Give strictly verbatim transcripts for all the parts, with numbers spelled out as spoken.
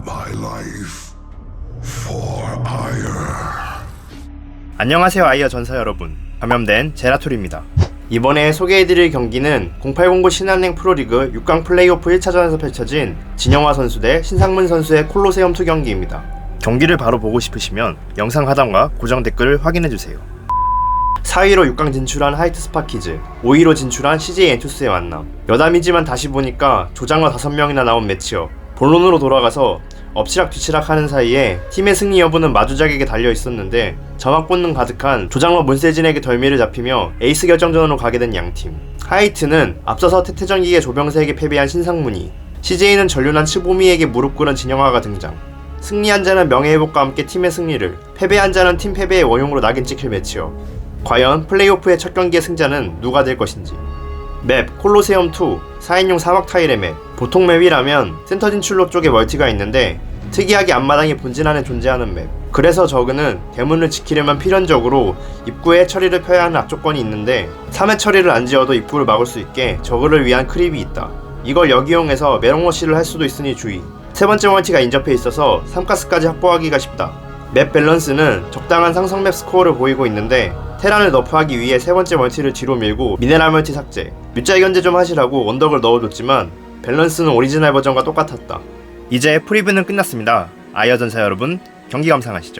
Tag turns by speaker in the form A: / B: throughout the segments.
A: my life for ire.
B: 안녕하세요 아이어 전사 여러분, 감염된 제라툴입니다. 이번에 소개해드릴 경기는 공팔공구 신한은행 프로리그 육 강 플레이오프 일 차전에서 펼쳐진 진영화 선수 대 신상문 선수의 콜로세움 투 경기입니다. 경기를 바로 보고 싶으시면 영상 하단과 고정 댓글을 확인해주세요. 사 위로 육 강 진출한 하이트 스파키즈, 오 위로 진출한 씨제이 엔투스의 만남. 여담이지만 다시 보니까 조장러 다섯 명이나 나온 매치업. 본론으로 돌아가서 엎치락 뒤치락 하는 사이에 팀의 승리 여부는 마주작에게 달려있었는데 점막 본능 가득한 조장러 문세진에게 덜미를 잡히며 에이스 결정전으로 가게 된 양팀. 하이트는 앞서서 태태전기계 조병세에게 패배한 신상문이, 씨제이는 전륜한 츠보미에게 무릎 꿇은 진영화가 등장. 승리한 자는 명예회복과 함께 팀의 승리를, 패배한 자는 팀 패배의 원흉으로 낙인 찍힐 매치업. 과연 플레이오프의 첫 경기의 승자는 누가 될 것인지. 맵 콜로세움 투, 사 인용 사막 타일의 맵. 보통 맵이라면 센터 진출로 쪽에 멀티가 있는데 특이하게 앞마당에 본진 안에 존재하는 맵. 그래서 저그는 대문을 지키려면 필연적으로 입구에 처리를 펴야 하는 악조건이 있는데 삼 회 처리를 안 지어도 입구를 막을 수 있게 저그를 위한 크립이 있다. 이걸 역이용해서 메롱러시를 할 수도 있으니 주의. 세 번째 멀티가 인접해 있어서 삼 가스까지 확보하기가 쉽다. 맵 밸런스는 적당한 상성 맵 스코어를 보이고 있는데 테란을 너프하기 위해 세 번째 멀티를 뒤로 밀고 미네랄 멀티 삭제, 뮤짤 견제 좀 하시라고 원덕을 넣어줬지만 밸런스는 오리지널 버전과 똑같았다. 이제 프리뷰는 끝났습니다. 아이어 전사 여러분, 경기 감상하시죠.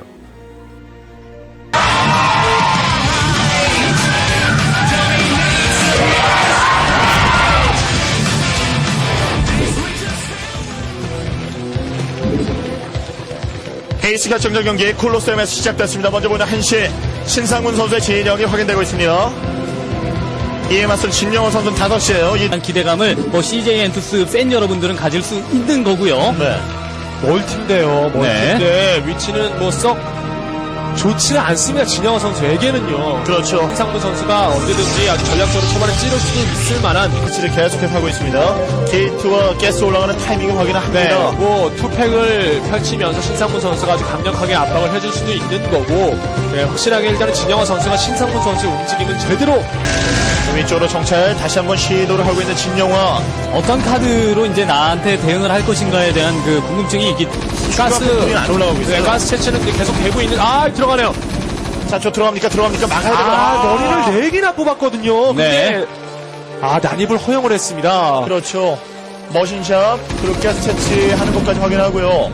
C: 에이스 결정전 경기 콜로세움에서 시작됐습니다. 먼저 보는 한시 신상문 선수의 진영이 확인되고 있습니다. 이에 맞선 진영호 선수는 다섯 시에요. 이...
D: 기대감을 뭐 씨제이 엔투스 팬 여러분들은 가질 수 있는 거고요.
C: 네.
E: 멀티인데요. 멀티인데
D: 네.
E: 위치는 뭐 썩 좋지는 않습니다. 진영호 선수에게는요.
C: 그렇죠.
E: 신상문 선수가 언제든지 아주 전략적으로 초반에 찌를 수 있을 만한
C: 위치를 계속해서 하고 있습니다. 게이트와 가스 올라가는 타이밍을 확인을 합니다.
E: 네, 뭐 투팩을 펼치면서 신상문 선수가 아주 강력하게 압박을 해줄 수도 있는 거고, 네, 확실하게 일단은 진영호 선수가 신상문 선수의 움직임은 제대로
C: 위쪽으로 정찰 다시 한번 시도를 하고 있는 진영화.
D: 어떤 카드로 이제 나한테 대응을 할 것인가에 대한 그 궁금증이 있기.
E: 가스
C: 안 올라가고 있어요.
E: 네, 가스 채취는 계속 되고 있는. 아 들어가네요.
C: 자, 저 들어갑니까? 들어갑니까? 막아야 되거든요.
E: 아 머리를 네 개나 뽑았거든요.
D: 네.
E: 근데 아 난입을 허용을 했습니다.
C: 그렇죠. 머신샵, 그리고 가스 채취하는 것까지 확인하고요.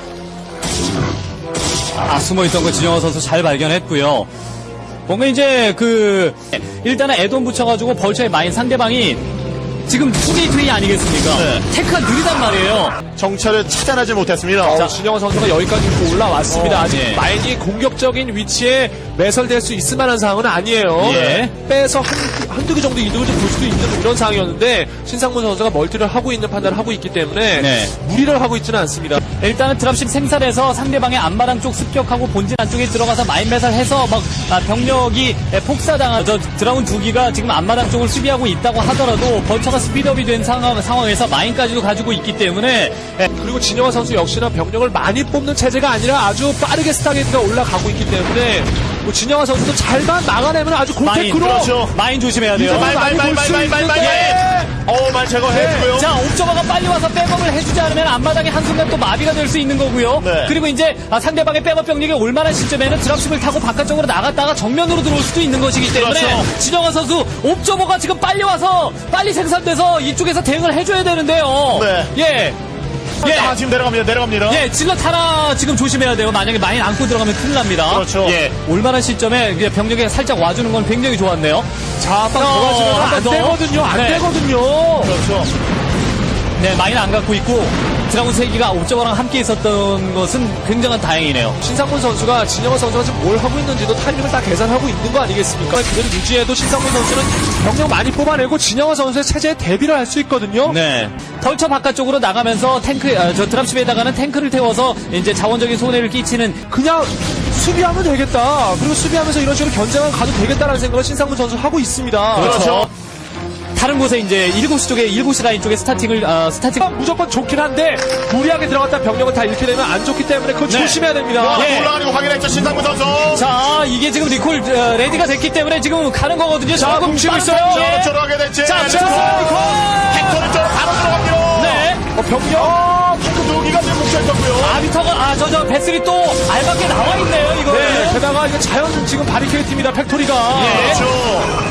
D: 아, 숨어있던 거 진영호 선수 잘 발견했고요. 뭔가 이제 그 일단은 애돈 붙여가지고 벌처의 마인 상대방이 지금 투게이트웨이 아니겠습니까?
C: 네.
D: 테크가 느리단 말이에요.
C: 정찰을 찾아내지 못했습니다.
E: 어, 진영호 선수가 여기까지 입고 올라왔습니다.
D: 어,
E: 아직
D: 네.
E: 마인이 공격적인 위치에 매설될 수 있을 만한 상황은 아니에요.
D: 예.
E: 빼서 한, 한두 개 정도 이득을 좀 볼 수도 있는 이런 상황이었는데 신상문 선수가 멀티를 하고 있는 판단을 하고 있기 때문에
D: 네.
E: 무리를 하고 있지는 않습니다.
D: 일단은 드랍십 생산해서 상대방의 앞마당 쪽 습격하고 본진 안쪽에 들어가서 마인 매설해서 막 아, 병력이 폭사당한 저 드라운 두 기가 지금 앞마당 쪽을 수비하고 있다고 하더라도 벌처가 스피드업이 된 상황, 상황에서 마인까지도 가지고 있기 때문에
E: 네, 그리고 진영화 선수 역시나 병력을 많이 뽑는 체제가 아니라 아주 빠르게 스타게이트가 올라가고 있기 때문에 뭐 진영화 선수도 잘만 막아내면 아주
D: 마인,
E: 골테크로
C: 그렇죠.
D: 마인 조심해야 돼요.
C: 말, 말, 말, 말, 말, 말, 말, 말. 어우, 말 제거해주고요.
D: 자, 옵저버가 빨리 와서 백업을 해주지 않으면 앞마당에 한순간 또 마비가 될 수 있는 거고요.
C: 네.
D: 그리고 이제 아, 상대방의 백업 병력이 올만한 시점에는 드랍십을 타고 바깥쪽으로 나갔다가 정면으로 들어올 수도 있는 것이기 때문에
C: 그렇죠.
D: 진영환 선수 옵저버가 지금 빨리 와서 빨리 생산돼서 이쪽에서 대응을 해줘야 되는데요.
C: 네.
D: 예. 예.
C: 아, 지금 내려갑니다. 내려갑니다.
D: 예, 질럿 하나 지금 조심해야 돼요. 만약에 마인 안고 들어가면 큰일 납니다.
C: 그렇죠.
D: 예, 올만한 시점에 이제 병력에 살짝 와주는 건 굉장히 좋았네요.
E: 자, 한번 더 가시면
D: 한
E: 안
D: 번 더.
E: 되거든요. 안
D: 네.
E: 되거든요.
C: 그렇죠.
D: 네, 마인 안 갖고 있고 드라군 세 기가 옵저버랑 함께 있었던 것은 굉장한 다행이네요.
E: 신상문 선수가 진영호 선수가 지금 뭘 하고 있는지도 타이밍을 다 계산하고 있는 거 아니겠습니까? 그대로 유지해도 신상문 선수는 병력 많이 뽑아내고 진영호 선수의 체제에 대비를 할 수 있거든요.
D: 네. 벌처 바깥쪽으로 나가면서 탱크, 아, 저 드랍십에다가는 탱크를 태워서 이제 자원적인 손해를 끼치는
E: 그냥 수비하면 되겠다. 그리고 수비하면서 이런 식으로 견제만 가도 되겠다라는 생각을 신상문 선수 하고 있습니다.
D: 그렇죠. 다른 곳에 이제 일곱 시 쪽에 일곱 시 라인 쪽에 스타팅을 어, 스타팅
E: 무조건 좋긴 한데 무리하게 들어갔다 병력을 다 잃게 되면 안 좋기 때문에 그거
D: 네.
E: 조심해야 됩니다.
C: 아,
D: 예.
C: 올라가는 거 확인했죠. 신상문 선수.
D: 자 이게 지금 리콜 어, 레디가 됐기 때문에 지금 가는 거거든요.
E: 자,
D: 조금
E: 뭉치고
D: 빠른
E: 있어요.
D: 타이밍에.
C: 저로 하게 됐지.
D: 자,
C: 자,
D: 자, 리콜.
C: 팩토리 쪽으로 바로 들어갑니다.
D: 네.
E: 어, 병력
C: 어, 핑크 두 기가 지금 뭉쳐있었고요.
D: 아비터가 아 저 저 배슬이 또 알맞게 나와 있네요 이거.
E: 네, 게다가 이거 자연 지금 바리케이트 팀이다 팩토리가.
D: 예.
C: 그렇죠.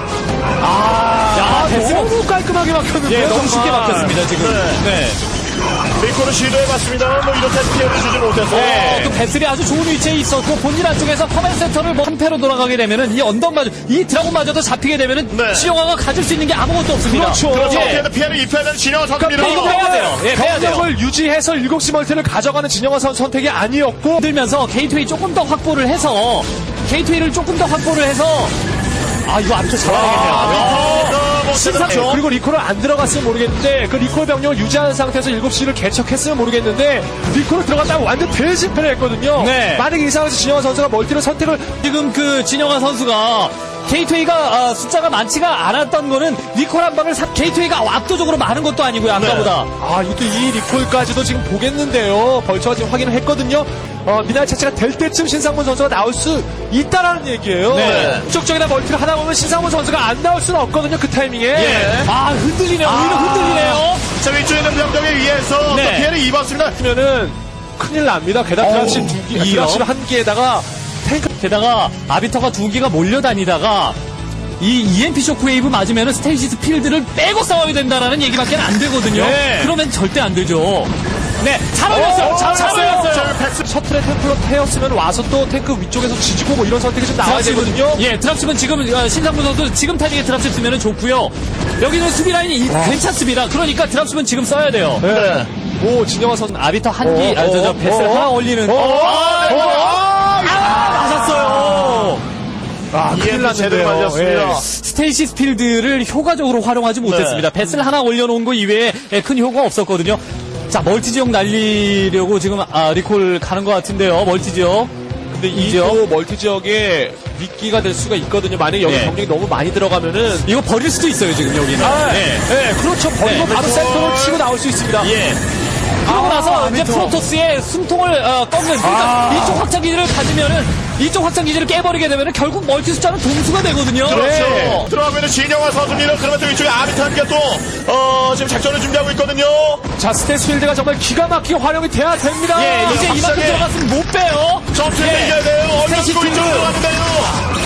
E: 아,
D: 야, 배슬이
E: 너무 깔끔하게 막혔는데요.
D: 예, 너무
E: 정말.
D: 쉽게 막혔습니다 지금.
C: 네.
D: 네.
C: 리콜을 시도해봤습니다만 뭐 이렇게 피해를 주지 못해서.
D: 어, 또 배슬이 아주 좋은 위치에 있었고 본진 안쪽에서 커맨 센터를 뭐 한패로 돌아가게 되면은 이 언덕마저 이 드라곤마저도 잡히게 되면은
C: 네.
D: 지영아가 가질 수 있는 게 아무것도 없습니다.
E: 그렇죠.
C: 그렇죠.
D: 예.
C: 어떻게든 피해를 입혀야 되는 진영아 선수입니다.
D: 이거 빼야 돼요. 예, 빼야 돼요.
E: 병력을 유지해서 일곱 시 멀티를 가져가는 진영아 선수 선택이 아니었고
D: 들면서 게이트웨이 조금 더 확보를 해서 게이트웨이를 조금 더 확보를 해서 아 이거 아비터 잡아야겠네요.
C: 아, 뭐
D: 신상-
C: 대단하죠.
E: 그리고 리콜을 안 들어갔으면 모르겠는데 그 리콜 병력을 유지하는 상태에서 일곱 시를 개척했으면 모르겠는데 리콜을 들어갔다가 완전 대실패를 했거든요.
D: 네.
E: 만약에 이 상황에서 진영아 선수가 멀티를 선택을
D: 지금 그 진영아 선수가 게이트웨이가 아, 숫자가 많지가 않았던 거는 리콜 한 방을 사, 게이트웨이가 압도적으로 많은 것도 아니고요 아까보다.
E: 아 이것도 이 리콜까지도 지금 보겠는데요. 벌처가 지금 확인을 했거든요. 어, 미나리 차체가 될 때쯤 신상문 선수가 나올 수 있다라는 얘기예요.
D: 네.
E: 쪽쪽이나 멀티를 하다 보면 신상문 선수가 안 나올 수는 없거든요. 그 타이밍에.
D: 예. 아 흔들리네요. 오히려 흔들리네요.
C: 자, 위쪽에 있는 병력에 의해서
D: 네.
C: 또 피해를 입었습니다.
E: 그러면은 큰일 납니다. 게다가
D: 어우,
E: 드랍십 두 개,
D: 이요?
E: 드랍십 한 개에다가 탱크
D: 게다가 아비터가 두 개가 몰려다니다가 이 이엠피 쇼크웨이브 맞으면 스테이시스 필드를 빼고 싸워야 된다라는 얘기밖에 안 되거든요.
E: 네.
D: 그러면 절대 안 되죠. 네, 잘 올렸어요.
E: 어,
D: 잘, 잘 올렸어요.
C: 자, 패스.
E: 셔틀의 템플러 태웠으면 와서 또 탱크 위쪽에서 지지고 뭐 이런 선택이 좀 나와야 되거든요.
D: 예, 드랍십은 지금 어, 신상문 선수 지금 타이밍에 드랍십 쓰면 좋고요. 여기는 수비 라인이 이- 괜찮습니다. 그러니까 드랍십은 지금 써야 돼요.
E: 네. 오 진영아 선
D: 아비터 한기,
E: 어,
D: 아, 저, 저
E: 어,
D: 배스를
E: 어,
D: 하나 올리는.
E: 어,
C: 아, 네. 아,
D: 아, 맞았어요.
E: 아 큰일
C: 이엠피 제대로
E: 났는데요.
C: 맞았습니다.
E: 예.
D: 스테이시스 필드를 효과적으로 활용하지 못했습니다. 배스를 하나 올려놓은 거 이외에 큰 효과가 없었거든요. 자, 멀티 지역 날리려고 지금 아, 리콜 가는 것 같은데요. 멀티 지역.
E: 근데
D: 이죠?
E: 이도 멀티 지역에 미끼가 될 수가 있거든요. 만약에 여기
D: 네.
E: 병력이 너무 많이 들어가면은
D: 이거 버릴 수도 있어요, 지금 여기는.
E: 아,
D: 네.
E: 네, 그렇죠. 버리고
D: 네.
E: 바로 센터로 치고 나올 수 있습니다.
D: 예. 그러고
E: 아,
D: 나서 이제
E: 아비터.
D: 프로토스의 숨통을 어, 꺾는 그러니까
E: 아.
D: 이쪽 확장 기지를 가지면은 이쪽 확장 기지를 깨버리게 되면은 결국 멀티 숫자는 동수가 되거든요.
C: 그렇죠.
D: 네.
C: 들어가면은 진영아 선수입니다. 그러면서 위쪽에 아비타 함께 또, 어, 지금 작전을 준비하고 있거든요.
E: 자, 스테이스필드가 정말 기가 막히게 활용이 돼야 됩니다.
D: 예, 이제 이만큼
C: 확실하게.
D: 들어갔으면 못 빼요.
C: 점수를
D: 예.
C: 이겨야 돼요. 얼른
D: 스테이시
C: 치고 이쪽으로
D: 팀은-
C: 들어가는데요.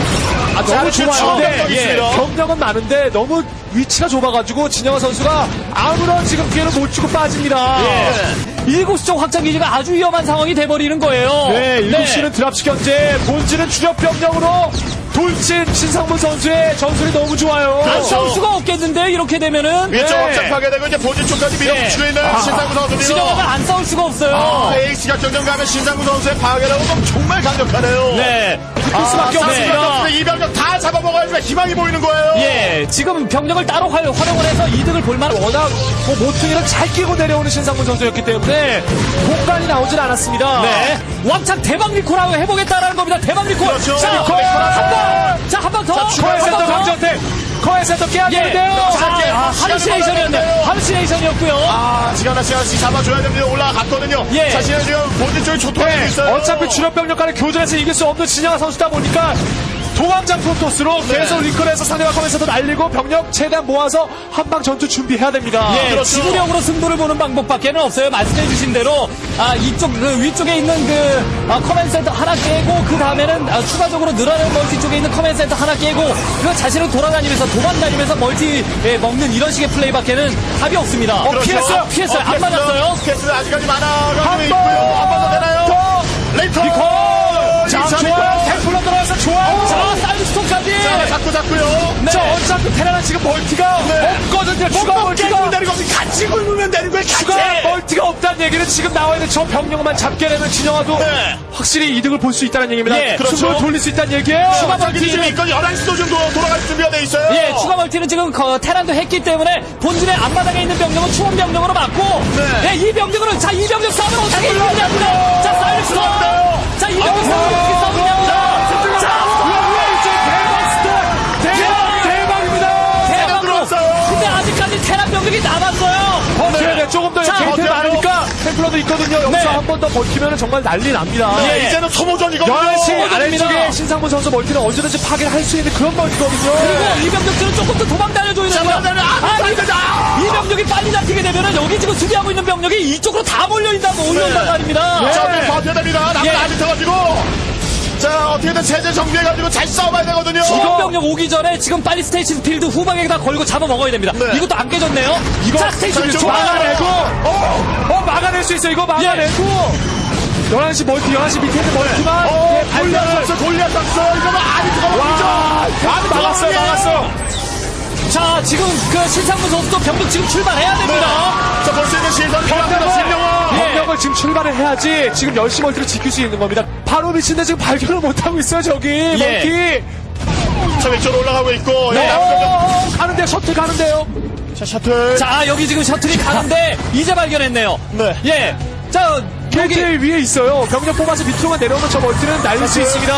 E: 아,
C: 자,
E: 너무
C: 지금
E: 좋아요.
C: 병력이
E: 근데
C: 있습니다.
E: 경력은 많은데 너무 위치가 좁아가지고 진영아 선수가 아무런 지금 피해를 못 주고 빠집니다.
D: 예. 일곱 시 쪽 확장 기지가 아주 위험한 상황이 돼버리는 거예요.
E: 네, 일곱 시는 드랍식 견제, 본질은 주력 병력으로 돌진 신상문 선수의 전술이 너무 좋아요.
D: 안 싸울 수가 없겠는데 이렇게 되면은
C: 위쪽
E: 네.
C: 확장하게 되고 이제 본진 쪽까지 밀어붙이고
D: 네.
C: 있는 신상구 선수입니다.
D: 진영아가 안 싸울 수가 없어요.
C: 아, 에이스가 경쟁 가면 신상구 선수의 파괴라고 하면 정말 강력하네요.
D: 네.
C: 아,
E: 수밖에 없습니다.
C: 이 병력 다 잡아먹어야지만 희망이 보이는 거예요.
D: 예, 지금 병력을 따로 활, 활용을 해서 이득을 볼 만한
E: 워낙 뭐 모퉁이를 잘 끼고 내려오는 신상문 선수였기 때문에 공간이 나오진 않았습니다.
D: 네. 왕창 대박 리콜하고 해보겠다라는 겁니다. 대박 리콜.
C: 그렇죠.
D: 자,
C: 리콜.
D: 한 번. 자, 한 번 더.
E: 커의
D: 한
E: 센터
D: 번 더.
E: 강전택, 커의 센터 깨야
D: 예.
E: 되는데요.
D: 자, 아, 하루시네이션이었네. 하루시네이션이었고요.
C: 아, 시간 한 시간씩 잡아줘야 됩니다. 올라갔거든요.
D: 예.
C: 자신은 지금 본진 쪽에 초토화되고
E: 네,
C: 있어요.
E: 어차피 주력 병력 간의 교전에서 이길 수 없는 진영아 선수다 보니까 도감장 프로토스로
C: 네.
E: 계속 리콜해서 상대방 컴에서도 날리고 병력 최대한 모아서 한방 전투 준비해야 됩니다.
D: 예,
C: 그렇죠.
D: 지구력으로 승부를 보는 방법밖에는 없어요. 말씀해주신 대로 아 이쪽 그 위쪽에 있는 그 아, 커맨 센터 하나 깨고 그 다음에는 아, 추가적으로 늘어나는 멀티 쪽에 있는 커맨 센터 하나 깨고 그 자신은 돌아다니면서 도망다니면서 멀티 예, 먹는 이런 식의 플레이밖에는 답이 없습니다. 어,
C: 그렇죠.
D: 피했어요. 피했어요. 안 맞았어요.
C: 스케스는 아직까지 많아가지고
E: 한
C: 있고요. 한 번 더 되나요?
E: 더!
C: 레이터!
E: 리콜! 자,
C: 리차
E: 좋아요.
C: 리콜!
E: 템플러 들어와서 좋아요.
D: 자, 사이드스톤까지.
C: 자, 잡고 잡고요.
D: 네.
E: 자, 어차피 테라는 지금 멀티가
C: 네.
E: 없거든요. 추가
C: 못
E: 멀티가.
C: 깨고 내리고 같이 굴면 되는 거예요.
E: 추가
C: 같이.
E: 멀티가 없다는 얘기는 지금 나와야 돼. 저 병력만 잡게 되면 진영아도
C: 네.
E: 확실히 이득을 볼 수 있다는 얘기입니다.
D: 예,
C: 그렇죠.
E: 승부를 돌릴 수 있다는 얘기예요.
D: 추가
C: 자기
D: 멀티.
C: 지금 있거든요. 열한 시도 좀 도- 돌아갈 준비가 돼 있어요.
D: 예, 추가 멀티는 지금 거, 테란도 했기 때문에 본진의 앞마당에 있는 병력은 추원 병력으로 맞고
C: 네.
D: 예, 이 병력으로 자, 이 병력 싸움은 어떻게 이기냐고요. 자, 사이드스톤. 자, 이 병력 싸움은 어떻게 싸우냐고요.
E: 대박, 대박입니다.
D: 대박으로.
C: 들어왔어요.
D: 근데 아직까지 테란 병력이 남았어요.
E: 버텨야 돼. 조금 더
D: 자,
E: 게이트
C: 버텨요.
E: 많으니까 템플러 템플러도 있거든요. 여기서
D: 네.
E: 한 번 더 버티면 정말 난리 납니다.
C: 네,
D: 예.
C: 이제는 소모전이거든요.
E: 열한 시
D: 소모전입니다.
E: 아래쪽에 신상문 선수 멀티는 언제든지 파괴를 할 수 있는 그런 멀티거든요.
D: 그리고 이병력들은 조금 더 도망 다녀줘야 돼요.
C: 도망 다녀! 아,
D: 아, 이,
C: 아!
D: 이 병력이 빨리 잡히게 되면은 여기 지금 수비하고 있는 병력이 이쪽으로 다 몰려있다고 올려온단 말입니다.
C: 자, 네. 버텨야 됩니다. 남은
D: 예.
C: 아직 터가지고. 자, 어떻게든 체제 정비해가지고 잘 싸워봐야 되거든요.
D: 지금 병력 오기 전에 지금 빨리 스테이션 필드 후방에다 걸고 잡아 먹어야 됩니다.
C: 네.
D: 이것도 안 깨졌네요.
E: 이거
D: 자, 스테이션 필드
C: 이쪽
E: 막아내고, 어, 어, 막아낼 수 있어. 이거 막아내고. 열한 시 멀티, 열한 시 밑에 있는 멀티만.
C: 어,
E: 예,
C: 골리앗
E: 발견을.
C: 선수, 골리앗 선수. 이거 뭐 아직
E: 와,
C: 터가지고. 아직
E: 막았어요, 막았어요.
D: 자, 지금 그 신상문 선수도 병력 지금 출발해야 됩니다.
C: 자, 볼 수 있는 시선 필요합니다. 신영아.
D: 예.
E: 병력을 지금 출발을 해야지 지금 열 시 멀티를 지킬 수 있는 겁니다. 바로 미친데 지금 발견을 못하고 있어요, 저기. 멀티.
C: 자, 위쪽으로 올라가고 있고.
E: 네.
C: 여기 남은 병력.
E: 어, 가는데, 셔틀 가는데요.
C: 자, 셔틀.
D: 자, 여기 지금 셔틀이 가는데 이제 발견했네요.
C: 네.
D: 예. 자, 여기
E: 게이트 위에 있어요. 병력 뽑아서 밑으로만 내려오면 저 멀티는 날릴 수 있습니다.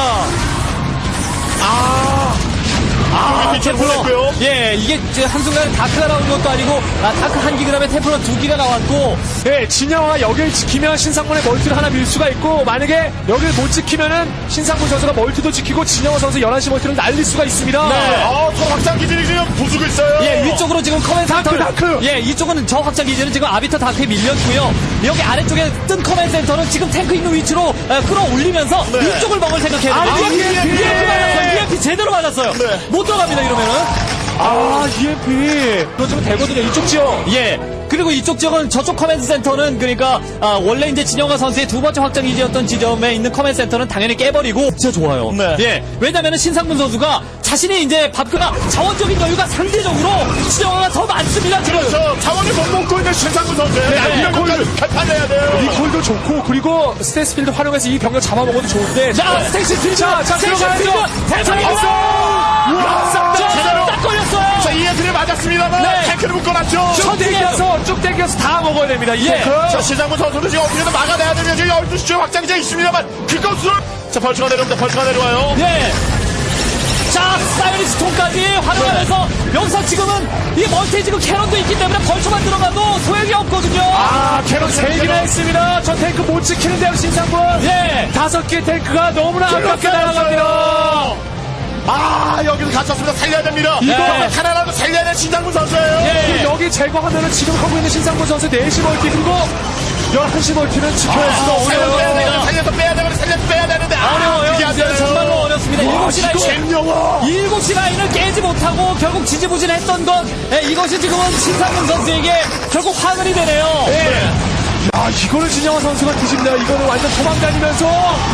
D: 아,
C: 밑으로
D: 템플러.
C: 보냈고요.
D: 예, 이게 이제 한순간에 다크가 나온 것도 아니고, 아, 다크 한 기, 그 다음에 템플러 두 기가 나왔고,
E: 네, 진영아가 여기를 지키면 신상문의 멀티를 하나 밀 수가 있고, 만약에 여기를 못 지키면은 신상문 선수가 멀티도 지키고 진영아 선수 열한 시 멀티를 날릴 수가 있습니다.
D: 네.
C: 어, 서로 확장 기질이 지금 부수고 있어요.
D: 예, 위쪽으로 지금 커맨 센터를.
E: 다크!
D: 예, 이쪽은 저 확장 기지는 지금 아비터 다크에 밀렸고요. 여기 아래쪽에 뜬 커맨 센터는 지금 탱크 있는 위치로 에, 끌어올리면서
C: 네.
D: 이쪽을 먹을 생각해야
E: 아,
D: 됩니다.
E: 이엠피!
D: 이엠피 맞았어요. 이엠피 제대로 맞았어요.
C: 네.
D: 못 들어갑니다, 이러면은.
E: 아, 이엠피. 그거 좀 되거든요, 이쪽 지역.
D: 예. 그리고 이쪽 지역은 저쪽 커맨드 센터는 그러니까 아, 원래 이제 진영아 선수의 두 번째 확장 기지였던 지점에 있는 커맨드 센터는 당연히 깨버리고 진짜 좋아요.
C: 네.
D: 예. 왜냐면은 신상문 선수가 자신이 이제 밥그나 자원적인 여유가 상대적으로 진영아가 더 많습니다. 지금.
C: 저 자원을 못 먹고 있는 신상구 선수예요.
D: 네.
C: 이런 것까지 개판해야 돼요.
E: 리콜도 좋고, 그리고 스테이스필드 활용해서 이 병력 잡아먹어도 좋은데.
D: 자, 스테이시 필드.
E: 자, 자,
D: 스테이시
E: 들어가야죠.
D: 필드. 대상입니다.
C: 우와, 싹
D: 자,
C: 제대로.
D: 딱 걸렸어요.
C: 자, 이엔트를 맞았습니다만
D: 네.
C: 탱크를 묶어놨죠.
E: 쭉 땡겨서, 쭉 땡겨서 다 먹어야 됩니다, 이
D: 예.
E: 탱크.
C: 자, 신상구 선수도 지금 어떻게든 막아내야 되면 지금 열두 시쯤 확장기자 있습니다만 그것을 자, 벌처가 내려옵니다. 벌처가 내려와요.
D: 예. 자, 사이언리스톤까지 활용하면서 여기서 지금은 이 멀티 지금 캐논도 있기 때문에 벌처만 들어가도 소용이 없거든요.
E: 아, 캐논 세 개나 했습니다. 저 탱크 못 지키는데요, 신상문.
D: 예.
E: 다섯 개 탱크가 너무나 아깝게 날아갑니다.
C: 아, 여기서 갇혔습니다. 살려야 됩니다.
D: 네.
C: 이거 하나라도 살려야 되는 신상구 선수예요.
D: 예.
E: 그리고 여기 제거하면은 지금 하고 있는 신상문 선수 네 시 멀티, 그리고 열한 시 멀티는 지켜낼 수가
C: 살려서 빼야
E: 없어요.
C: 되는데, 살려서 빼야 되는데, 살려서 빼야 되는데. 아,
D: 어려워요.
C: 그게 안
D: 이제
C: 되네요.
D: 정말로 어렵습니다. 일곱 시 라인.
C: 신영아.
D: 일곱 시 라인을 깨지 못하고 결국 지지부진했던 것. 예, 이것이 지금은 신상문 선수에게 결국 화근이 되네요.
E: 야, 이거를 진영아 선수가 뒤집니다. 이거는 완전 도망다니면서.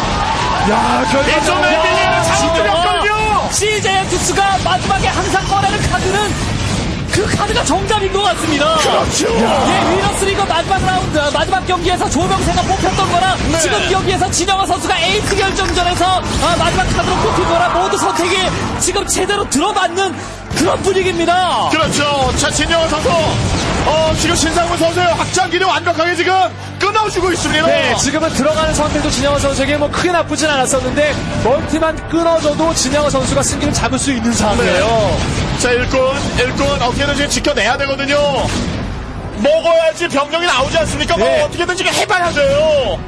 E: 야,
C: 이쪽
E: 결과적으로.
C: 왼쪽에는 자원들이 없거든요.
D: 씨제이 투스가 마지막에 항상 꺼내는 카드는 그 카드가 정답인 것 같습니다.
C: 그렇죠.
D: 예, 위너스리그 마지막 라운드, 마지막 경기에서 조명세가 뽑혔던 거랑
C: 네.
D: 지금 경기에서 진영아 선수가 에이스 결정전에서 아, 마지막 카드로 뽑힌 거랑 모두 선택이 지금 제대로 들어맞는 그런 분위기입니다.
C: 그렇죠. 자, 진영원 선수. 어, 지금 신상문 선수의 확장기를 완벽하게 지금 끊어주고 있습니다.
E: 네, 지금은 들어가는 선택도 진영아 선수에게 뭐 크게 나쁘진 않았었는데 멀티만 끊어져도 진영아 선수가 승기를 잡을 수 있는 상황이에요.
C: 자, 일꾼, 일꾼 어떻게든 지금 지켜내야 되거든요. 먹어야지 병력이 나오지 않습니까? 뭐
E: 네.
C: 어떻게든 지금 해봐야 돼요.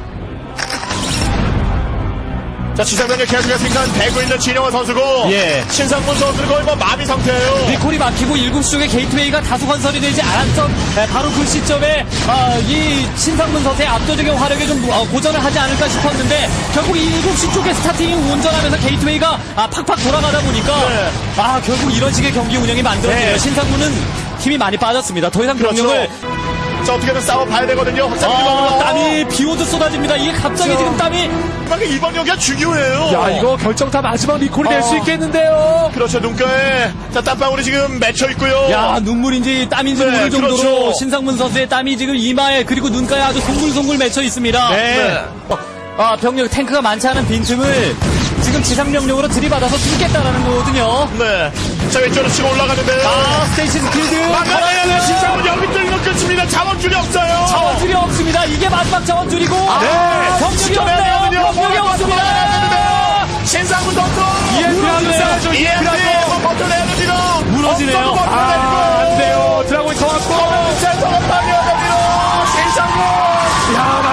C: 자, 지상병력 계속해서 생산되고 있는 진영원 선수고.
D: 예.
C: 신상문 선수는 거의 뭐 마비 상태예요.
D: 리콜이 막히고 일곱 시 쪽에 게이트웨이가 다소 건설이 되지 않았던 에, 바로 그 시점에 아, 이 신상문 선수의 압도적인 화력에 좀 어, 고전을 하지 않을까 싶었는데 결국 이 일곱 시 쪽에 스타팅이 운전하면서 게이트웨이가 아, 팍팍 돌아가다 보니까
C: 네.
D: 아 결국 이런 식의 경기 운영이 만들어지네요.
E: 네.
D: 신상문은 힘이 많이 빠졌습니다. 더 이상
C: 그렇죠.
D: 병력을
C: 자, 어떻게든 싸워봐야 되거든요. 확장기
D: 아,
C: 먹으러.
D: 땀이 비오듯 쏟아집니다. 이게 갑자기 지금 땀이
C: 마지막에 이번 경기가 중요해요.
E: 야, 이거 결정타 마지막 리콜이 될 수
C: 어.
E: 있겠는데요.
C: 그렇죠. 눈가에 자, 땀방울이 지금 맺혀 있고요.
D: 야 눈물인지 땀인지
C: 네,
D: 모를 정도로
C: 그렇죠.
D: 신상문 선수의 땀이 지금 이마에 그리고 눈가에 아주 송글송글 맺혀 있습니다.
C: 네.
D: 아 병력 탱크가 많지 않은 빈틈을 지금 지상병력으로 들이받아서 뚫겠다라는 거거든요.
C: 네. 자, 왼쪽으로 치고 올라가는데요.
D: 아 스테이션 필드
C: 막아내야 돼. 신상문 여기 뚫리면 끝입니다. 자원줄이 없어요.
D: 자원줄이 없습니다. 이게 마지막 자원줄이고
C: 네.
D: 병력이
C: 지켜내야
D: 없네요.
C: 되거든요.
D: 병력이
C: 뭐라도
D: 없습니다.
C: 막아야 되는데요. 신상문 선수.
E: 이엠피라도 싸야죠, 이엠피라도.
C: 이엠피 버텨내야 됩니다.
D: 무너지네요.
C: 엉덩이 버텨내고.
E: 아, 안 돼요. 드라곤이 더 왔고.
C: 센터가 파괴가 됩니다. 신상문.
E: 야,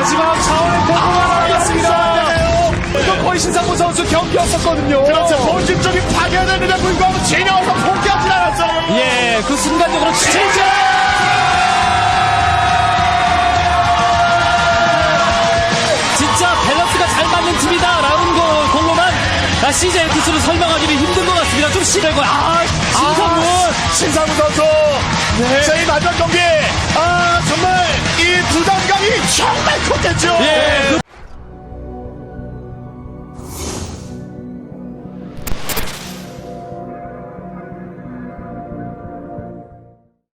E: 경기였었거든요.
C: 그렇죠. 본질적인 파괴되는데 불구하고 진영호 선수 포기하지 않았어요.
D: 예, 그 순간적으로 진짜 진짜 밸런스가 잘 맞는 팀이다라는 거 걸로만 아, 씨제이엑스를 설명하기는 힘든 것 같습니다. 좀 심하고 아, 신상문
C: 아, 신상문 선수. 제 이 마지막 경기. 아,